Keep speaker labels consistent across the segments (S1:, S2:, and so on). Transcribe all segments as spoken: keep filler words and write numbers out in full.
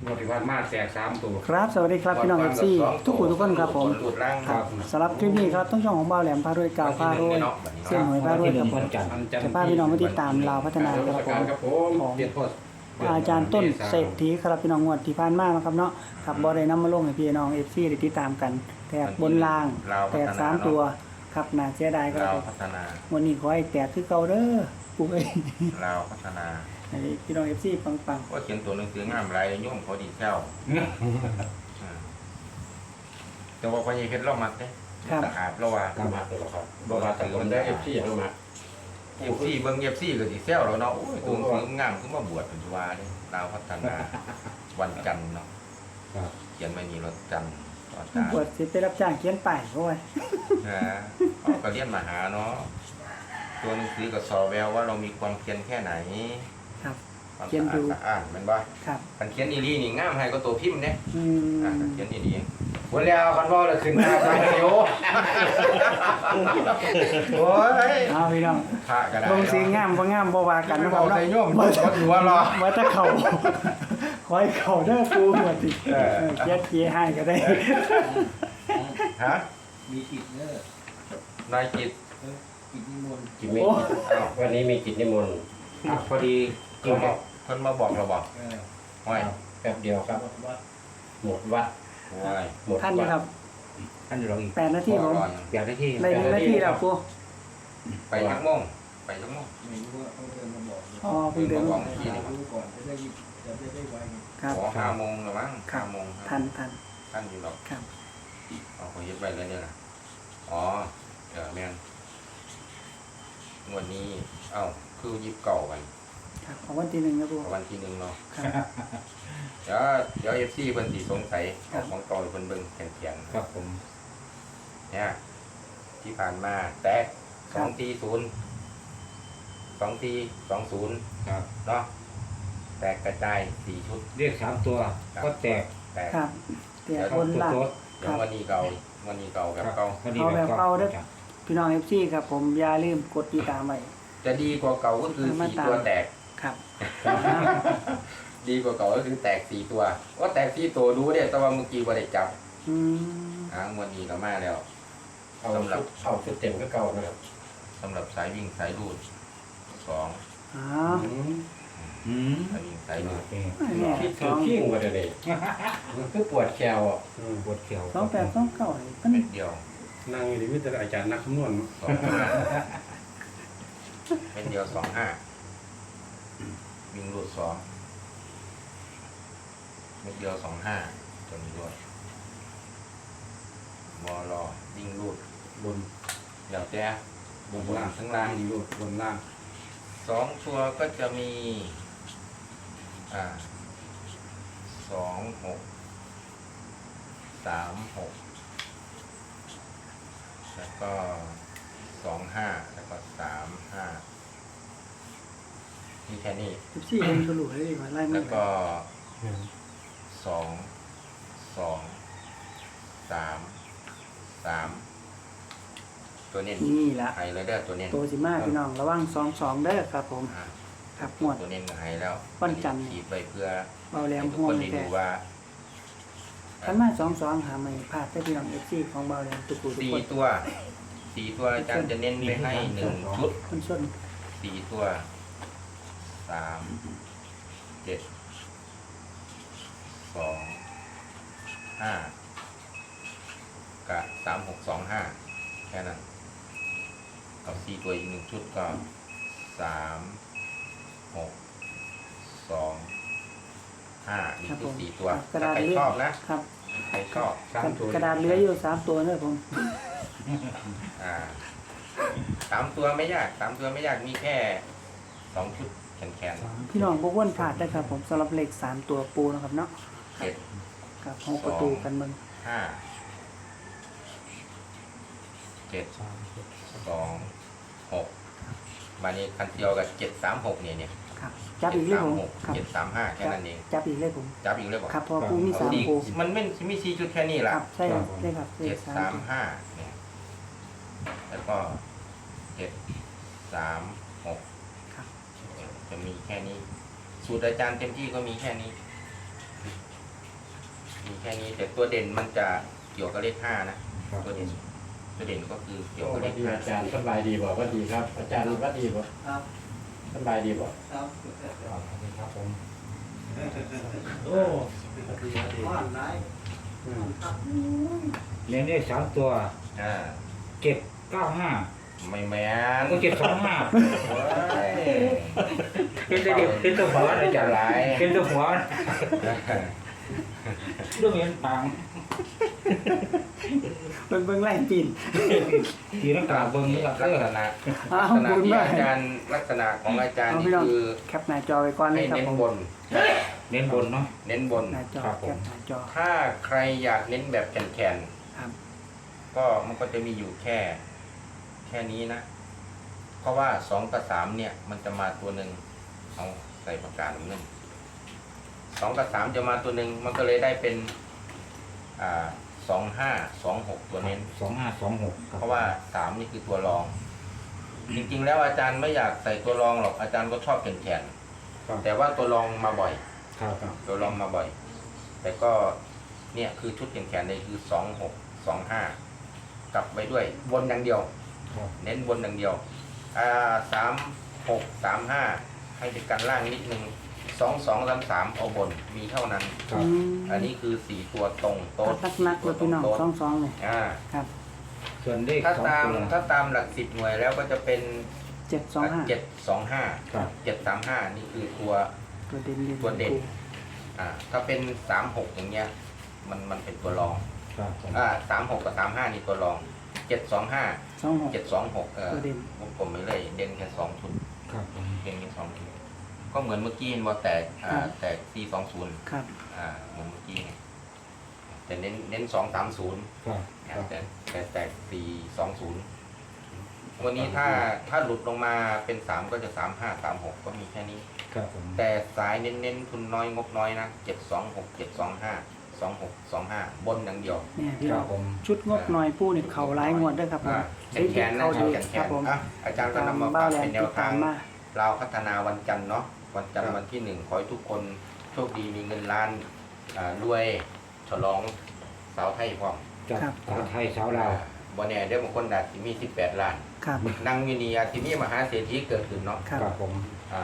S1: วดที่ผ่านมาแตกสามตัว
S2: ครับสวัสดีครับพี่น้องเอฟซีทุกคนทุกคนครับผมครับสำหรับคลิปนี้ครับต้องช่องของบ่าวแหลมพารวยกาวพารวยเสี่ยงหวยพารวยครับผมจะพาพี่น้องมาติดตามลาวพัฒนาครับผมของอาจารย์ต้นเศรษฐีครับพี่น้องงวดที่ผ่านมานะครับเนาะครับบ่ได้นำมาลงให้พี่น้องเอฟซีได้ติดตามกันแตกบนล่างแตกสามตัวครับน่าเสียดายครับวันนี้ขอให้แตกคือเก่าเด้อปู่เอ้ย
S3: ลาวพัฒนา
S2: ให้พี่น้องเอฟซีปังๆ
S3: ก็เขียนตัวหนังสืองามไรโยมเขาดีเจ้าแต่ว่าพญเพชรเรามักเนี่ยสะอาดเราว่า
S1: ตามมาตัวละครับบอกว่าแต่ลมได้เอฟซีเข้ามา
S3: เอฟซีเบิ้งเอฟซีก็ดีเซลเราเนาะโอ้ยตัวหนังสืองามขึ้นมาบวชเป็นชัวร์เนี่ยลาวพัฒนาวันจันทร์เนาะเขียนไม่มีรถจันทร์
S2: บวชสิไปรับจ้างเขียนป้ายเขาไว้
S3: นะก็เรียนมาหาเนาะตัวหนังสือก็สอแววว่าเรามีความเพียรแค่ไหน
S2: ครับ
S3: เขียนดูอ่านมันบ่
S2: ครับ
S3: การเขียนอีลีนี่งามให้ก็ตัวพิมพ์เนี่ยอ่าเขียนอีลี
S1: วันแล้วคันว่าเราขึ้นมาไปโย
S3: โอ้ย
S2: เอาพี่น้อง
S3: พระก็ได้
S2: ลงสีงามบ่งามบ่ว่ากัน
S3: นะครับเนาะโยมบ่หัวรอ
S2: ว่าถ้าเขาคอยเขาเด้อปูหมดสิเออเกียดเกียให้ก็ได้
S3: ฮะ
S4: มีกิจเด้อน
S3: ายกิจ
S4: กิจนิมนต์
S1: กิจมีวันนี้มีกิจนิมนต์พอดี
S3: คนมาคนมาบอกเราบอกห้อย
S1: แป๊บเดียวครับหมดวัด
S2: หมดท่านครับ
S1: ท่านรองอีก
S2: แปดนาทีผม
S1: แปดนาที
S2: ในนาทีแล้วปู
S3: ไปยักโมงไปยักโมง
S4: ไม่รู้ว่าเขาเดินมาบอก
S2: อ๋อเพิ่งเดินมาบอก
S4: รู้ก่อนจะได้จะได้ได้ไว
S2: ครับ
S3: ห้าโมงหรือมั้งห้าโมง
S2: ทันทัน
S3: ท่านอยู่หรอก
S2: ครับ
S3: เอาเขายึดไปเลยเนี่ยนะอ๋อเดี๋ยวแม่นวันนี้เอ้าคือยิบเก่ากัน
S2: ครับของวันที่หนึ่งนะปู
S3: วันที่หนึ่งเนาะเดี๋ยวเดี๋ยวเอฟซีเพิ่นสีสงสัยของต่อเพิ่นเบิ่งแข็ง
S1: ๆครับผม
S3: เนี่ยที่ผ่านมาแตกสองทีศูนย์สองทีสองศูนย์
S1: ครับ
S3: เนาะแตกกระจายสี่ชุด
S1: เรียกสามตัวก็แตก
S3: แตก
S2: ครับแตกบนหลัง
S3: เดี๋ยววันนี้เก่าวันนี้เก่าแบบเก่า
S2: เอาแบบเก่าเด้อพี่น้องเอฟซีครับผมอย่าลืมกดติดตามไว้
S3: จะดีกว่าเก่าก็คือสี่ตัวแตก
S2: ครับ
S3: ดีกว่าเก่าก็คือแตกสี่ตัวว่าแตกสี่ตัวดูเนี่ยแต่ว่าเมื่อกี้ว่าได้จับ
S2: อืม
S3: อ่าวันนี้ก็มาแล้ว
S1: สำหรับเอาชุดเต็มก็เก่านะครับ
S3: สำหรับสายวิ่งสายรูดสอง
S2: อ๋อ
S1: อืม
S3: สายวิ่งสายรูด
S1: คิดถึงขี้งว่าเดี๋ยวนี้มันคือปวดแขวอ่ะปวดแขว
S2: สองแปดสองเก้า
S3: เม็ดเดียว
S1: นั่งอยู่ที่มิตรอาจารย์นักคำนวณ
S3: สองเม็ดเดียวสองห้าวิ่งรูดสองเม็ดเดียวสองห้าตัวนี้ด้วยบอลอวิ่งรูด
S1: บน
S3: เดี๋ยวแจ้บนล่างทั้งล่าง
S1: รูดบนล่าง
S3: สองตัวก็จะมีอ่าสองหกสามหกแล้วก็สองห้าแล้วก็สามห้าที่แค่นี้
S2: สิบสี่เองก็รู้เลยว่าไล่
S3: แล้วก็สองสองสามสามตัวนี้
S2: นี่ละ
S3: ไฮเลยเด้อตัวนี้
S2: ตัวสิมาพี่น้องระวังสองสองเด้อครับผมครับหมด
S3: ตัวนี้ไฮแล้ว
S2: ปั้นจัน
S3: ขีดไปเพื่อ
S2: เบาแหลมห่วงแต่ขันมาสองสองหาไม่พลาดได้พี่น้องเอฟซีของเบาแหลมตุกุ
S3: สี่ตัวสี่ตัวอาจารย์จะเน้นไปให้หนึ่งชุด
S2: คนส้น
S3: สี่ตัวสามเจ็ดสองห้ากับสามหกสองห้าแค่นั้นกับสี่ตัวอีกหนึ่งชุดก็สามหกสองห้านี่คือสี่ตัว
S2: กระดาษใคร
S3: ชอบนะครับใครชอบ
S2: กระดาษเหลืออยู่สามตัวเนี่ยผม
S3: อ่าสามตัวไม่ยากสามตัวไม่ยากมีแค่สองชุดแขน
S2: ๆพี่น้องพวกวนผ่านได้ครับผมสำหรับเลขสามตัวปูนะครับเนาะ
S3: เจ็ด
S2: กับห้องประตูกันมึง
S3: ห้าเจ็ดสองหกมานี้คันเดียวกับเจ็ดสามหกเนี่ยเนี่ย
S2: ครับจับอีกเลยผม
S3: เจ็ดสามห้าแค่นั้นเอง
S2: จับอีกเลยผม
S3: จับอีกเลยบอก
S2: ครับพอปูมีสามปู
S3: มันไม่มีสี่ชุดแค่นี้ละ
S2: ใช่ครับใช่ครับ
S3: เจ็ดสามห้าเนี่ยแล้วก็เจ็ดสามหกจะมีแค่นี้สูตรอาจารย์เต็มที่ก็มีแค่นี้มีแค่นี้แต่ตัวเด่นมันจะเกี่ยวกับเลขห้านะตัวเด่นตัวเด่นก็คือเกี่ยว
S1: โอ้
S3: กับ
S1: ส
S3: เล
S1: วัส
S3: ข
S1: ดี
S3: ห้า
S1: อาจารย์สบายดีบ่ว่าดีครับ อาจารย์ว่าดีบ่
S4: ครับ
S1: สบายดีบ่
S4: ครับ
S1: ครับผม
S4: โอ้บ้านไหน
S1: อืม
S5: เลี้ยงได้สามตัว
S3: อ่า
S5: เจ็ดเก้าห้า
S3: ไม่แม่น
S5: ก็เจ็ดสองห้า
S3: โอ้ย
S5: เป็นตัวเดียวเป็นตัวหัวนะ
S3: จะ
S5: จ๊ะ
S3: หลาย
S5: เป็นตัวหัวเรื่องเงินปัง
S2: เบิ่งเบิ่งไล่ปีน
S5: ทีนักกาเบิ้งนี่ครับ
S3: ลั
S5: เอก อ
S3: ษณะ
S2: อ้า
S3: ลั
S2: ว
S3: กษณะ
S2: บุญ
S3: ที่
S2: มาก
S3: อาจารย์ลักษณะของอาจารย์
S2: เอา
S3: นี่
S2: พี่น้อง
S3: คือ
S2: แคปหน้าจอไว้ก่อนเล
S3: ให้
S2: ยครับ
S3: เน้น
S2: ผม
S3: บน
S5: เน้นบนเนาะ
S3: เน้นบน
S2: หน้าจอ
S5: ครับผม
S2: แคปหน้าจอ
S3: ถ้าใครอยากเน้นแบบแข็ง
S2: ครับ
S3: ๆก็มันก็จะมีอยู่แค่ แค่นี้นะ เพราะว่าสองกับสามเนี่ย มันจะมาตัวหนึ่งเอาใส่ประกาศเงินสองกับสามจะมาตัวหนึ่งมันก็เลยได้เป็น อ่าสองห้าสองหกตัวเน้น
S5: สองห้าสองหก
S3: เพราะว่าสามนี่คือตัวรอง จริงๆแล้วอาจารย์ไม่อยากใส่ตัวรองหรอกอาจารย์ก็ชอบแข็ง
S1: ครับ
S3: ๆแต่ว่าตัวรองมาบ่อย
S5: ครับ
S3: ตัวรองมาบ่อย แต่ก็เนี่ยคือชุดแข็งๆเลยคือสองหกสองห้ากลับไปด้วยบนอย่างเดียว
S5: ครับ
S3: เน้นบนอย่างเดียวอ่าสามหกสามห้าให้เป็นกันล่างนิดนึงสองสองสามสามเอาบนมีเท่านั้น
S5: ครับ
S2: อืม
S3: อันนี้คือสี่ตัวตรงโต๊ะ
S2: นักนักๆเลยพี่น้องสองสองเลย
S3: อ่า
S2: ครับ
S5: ส่วนเลข
S3: ถ้า
S5: สอง
S3: ตาม
S5: ตัว
S3: ถ้าตามหลักสิบหน่วยแล้วก็จะเป็น
S2: เจ็ดสองห้า
S3: เจ็ดสองห้า
S5: ครับ
S3: เจ็ดสามห้านี่คือตัว
S2: ตัวเด่นเด่น
S3: ตัวเด่น อ่าถ้าเป็นสามหกอย่างเงี้ยมันมันเป็นตัวรอง
S5: ครับผม
S3: อ่าสามหกกับสามห้านี่ตัวรองเจ็ดสองห้า
S2: สองหก
S3: เจ็ดสองหกเออ
S2: ตัวเด่น
S3: วงกลมไปเลยเด่นแค่สองชุด
S5: ครับผม
S3: เด่นแค่สองชุดก็เหมือนเมื่อกี้เห็นว่าแตกอ่าแตกสี่สองศูนย์
S2: ครับ
S3: อ่าเหมือนเมื่อกี้ไงแต่เน้นเน้นสองสามศูนย์
S5: ครับครับ
S3: แต่แต่แตกสี่สองศูนย์วันนี้ถ้าถ้าหลุดลงมาเป็นสามก็จะสามห้าสามหกก็มีแค่นี้
S5: ครับผม
S3: แต่สายเน้นๆทุนน้อยงบน้อยนะเจ็ดสองหกเจ็ดสองห้าสองหกสองห้าบนอย่างเดียว
S2: เนี่ยพี่
S5: ค
S2: น้
S5: รั
S2: อบ ง
S5: ผม
S2: ชุดงบหน่อยปูนี่เข่าหลายงวดด้วยครับผม
S3: อ่าแขนแขนนะ
S2: เข้า
S3: ชุ
S2: ดี
S3: ดแขนแข
S2: ครับ
S3: น
S2: ผม
S3: อ่ะอาจารย์ก็นำมา
S2: บ้า
S3: ฝาก
S2: แหลม
S3: เป็นแน
S2: ติ
S3: ว
S2: ด
S3: ทา
S2: ตาม
S3: ง
S2: มา
S3: เราพัฒนาวันจันทร์เนาะวันจันทร์วันที่หนึ่งขอให้ทุกคนโชคดีมีเงินล้านอ่ารวยฉลองสาวไทยพร้อม
S5: จาก
S2: ครับ
S5: สาวไทยสาวลาว
S3: บ่แน่เดี๋ยวบางคนอาจจะมีสิบแปดล้าน
S2: ครับ
S3: นั่งอยู่นี่อาจจะมีมหาเศรษฐีเกิดขึ้นเนาะ
S2: ครับ
S5: ครับผม
S3: อ่าย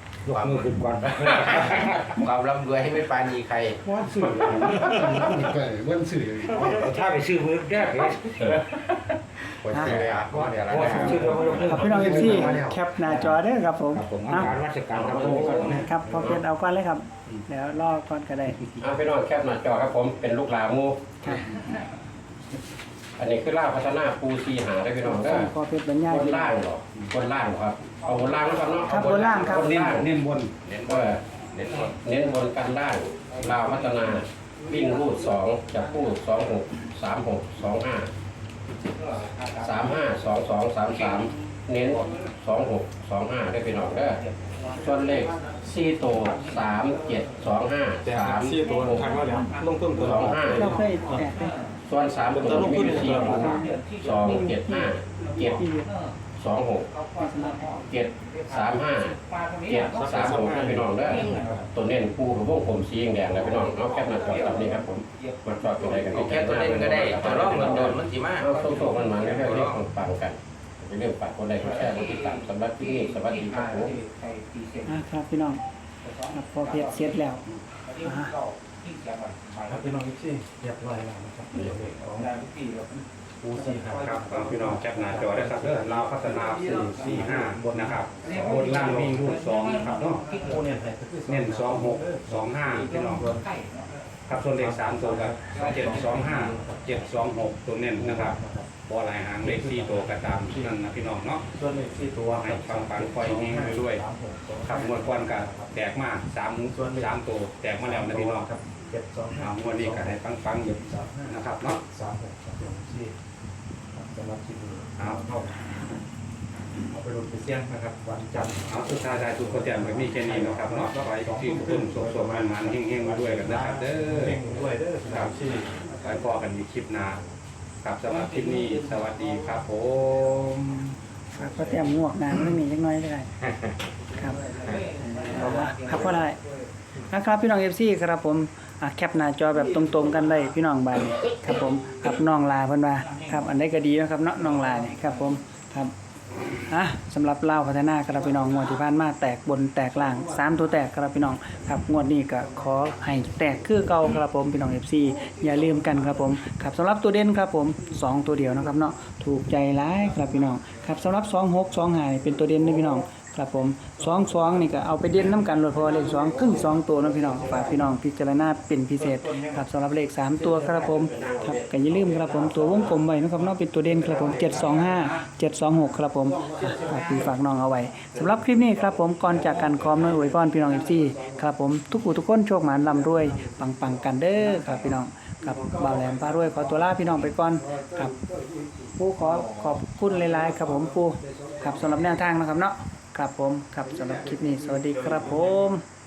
S5: กมือขึ้นก่อน
S3: ความร่ำรวยให้ไม่ปราณีใคร
S1: วันสื่อวันสื่อ
S5: ถ้าไปซื้อมือแรกเลย
S3: คนเสียอ่ะก็เดี๋ยวแล้ว
S5: โอ้
S3: นะ
S5: ผมซื้อมือ
S2: ครับพี่น้องเอฟซีแคปหน้าจอเด้อครับผม
S5: ครับผม
S2: เอา
S5: การราชการครับผม
S2: ครับพอเพชรเอาก่อนเลยครับเดี๋ยวรอก่อนก็ได้
S1: อ่าพี่น้องแคปหน้าจอครับผมเป็นลูกหลานหมู
S2: ครับ
S1: อันนี้คือล่าพัฒนาปูซีหาได้พี่น้องเด้อ
S2: พอเพชรบรรยาย
S1: บน
S2: พี่น้อ
S1: ล่าง งเหรอบนล่างเหรอครับเอาบนล่างแล้วกันเนาะ
S2: ครับบนล่างครับ
S1: บนล่างเน้นบน
S3: เน้น
S1: เอ
S3: ว่า
S1: อ
S3: เน้นว่า
S1: เน้นบนกันล่างลาวพัฒนาวิ่งรูดสองจับคู่สองหกสามหกสองห้าสามห้าสองสองสามสามเน้นสองหกสองห้าได้พี่น้องเด้อส่วนเลขสี่ตัวสามเจ็ดสองห้าสามหก
S6: ลงต้นตัว
S1: สองห้า
S2: เราเคยแตกเลย
S1: ส่วนสามตัวมีอยู่สี่ตัวสองเจ็ดห้าเจ็ด
S2: ที่เดียว
S1: สองหกเจ็ดสามห้าเจ็ดสามหกให้พี่น้องได้อตัวเน้นปูกับพวกผมสีแดงๆแล้วพี่น้องเอาแคปหน้าจอแบบนี้ครับผมมาจอดตัวใดกัน
S3: เอาแค่ตัวเล่นก็ได้ตัวร่องเงินโดนมันสิมา
S1: เอาโซ่ๆมันมาแล้วเรียกฟังกันเป็นเรื่องฝากคนใดคนแค่คนติดตามสำหรับที่นี่สวัสดีครับผม
S2: อ่ะครับพี่น้องครับพอเพชรเสร็จแล้วอ่า
S6: ครับพี่น้องอีกที่เรียบร้อยแล้วนะครับปูซีครับ
S7: ครับพี่น้องแคปหน้าจอได้ครับเด้อลาวพัฒนาสี่สี่ห้าบนนะครับบนล่างวิ่งรูดสองนะครับเนาะ
S6: ปูเนี่ยไทย
S7: เน้นสองหกสองห้าพี่น้องครับส่วนเลขสามตัวกับเจ็ดสองห้าเจ็ดสองหกตัวเน้นนะครับบอลายหางเลขสี่ตัวกระตามนั่นนะพี่น้องเนาะ
S6: ส่วนเลขสี่ตัว
S7: ให้ฟังฟังคอยเฮงไปด้วยครับงวดก่อนกับแตกมาสามสามตัวแตกมาแล้วนะพี่น้องครับ
S6: เจ็ดสองห้า
S7: เอางวดนี้ก็ให้ฟังฟังอยู่นะครับเนาะ
S6: สามหกสามสี่สำหรับที่ดู
S7: เอา
S6: เอาเอาไปลงไปเสี่ยงนะครับวันจันทร์
S7: เอาสุดท้ายได้ทุกคนแจมแบบนี้แค่นี้นะครับเนาะขอให้ที่ทุกคนสุขสมมันมันเฮงๆมาด้วยกันนะครับเด้อ
S6: เพ่งด้วยเด้อสามสี่
S7: ไว้พอกันในคลิปหน้าครับสำหรับคลิปนี้สวัสดีครับผม
S2: ครับก็เตรียมงวกน้ำไม่มีจักหน้อยก็ได้ครับครับก็ได้นะครับพี่น้องเอฟซีครับผมอ่ะแคปหน้าจอแบบตรงๆกันเลยพี่น้องบาดนี้ครับผมครับน้องลาเพิ่นว่าครับอันใดก็ดีนะครับเนาะน้องลานี่ครับผมครับอ่ะสำหรับลาวพัฒนาครับพี่น้องงวดที่ผ่านมาแตกบนแตกล่างสามตัวแตกครับพี่น้องครับงวดนี้ก็ขอให้แตกคือเก่าครับผมพี่น้อง เอฟ ซี อย่าลืมกันครับผมครับสำหรับตัวเด่นครับผมสองตัวเดียวนะครับเนาะถูกใจหลายครับพี่น้องครับสำหรับสองหก สองห้านี่เป็นตัวเด่นนะพี่น้องครับผมสองสองนี่ก็เอาไปเด่นน้ำกันโลดเพราะว่าเลขสองครึ่งสองตัวนะพี่น้องฝากพี่น้องพิจารณาเป็นพิเศษครับสำหรับเลขสามตัวครับผมครับก็อย่าลืมครับผมตัววงกลมไว้นะครับเนาะเป็นตัวเด่นครับผมเจ็ดสองห้า เจ็ดสองหกครับผมฝากพี่ฝากน้องเอาไว้สำหรับคลิปนี้ครับผมก่อนจากกันคอมน้อยอวยพรพี่น้อง เอฟ ซี ครับผมทุกผู้ทุกคนโชคหมานร่ำรวยปังๆกันเด้อครับพี่น้องครับบ่าวแหลมพารวยขอตัวลาพี่น้องไปก่อนครับผู้ขอขอบคุณหลายๆครับผมผู้ครับสำหรับแนวทางนะครับเนาะครับผมครับสำหรับคลิปนี้สวัสดีครับผม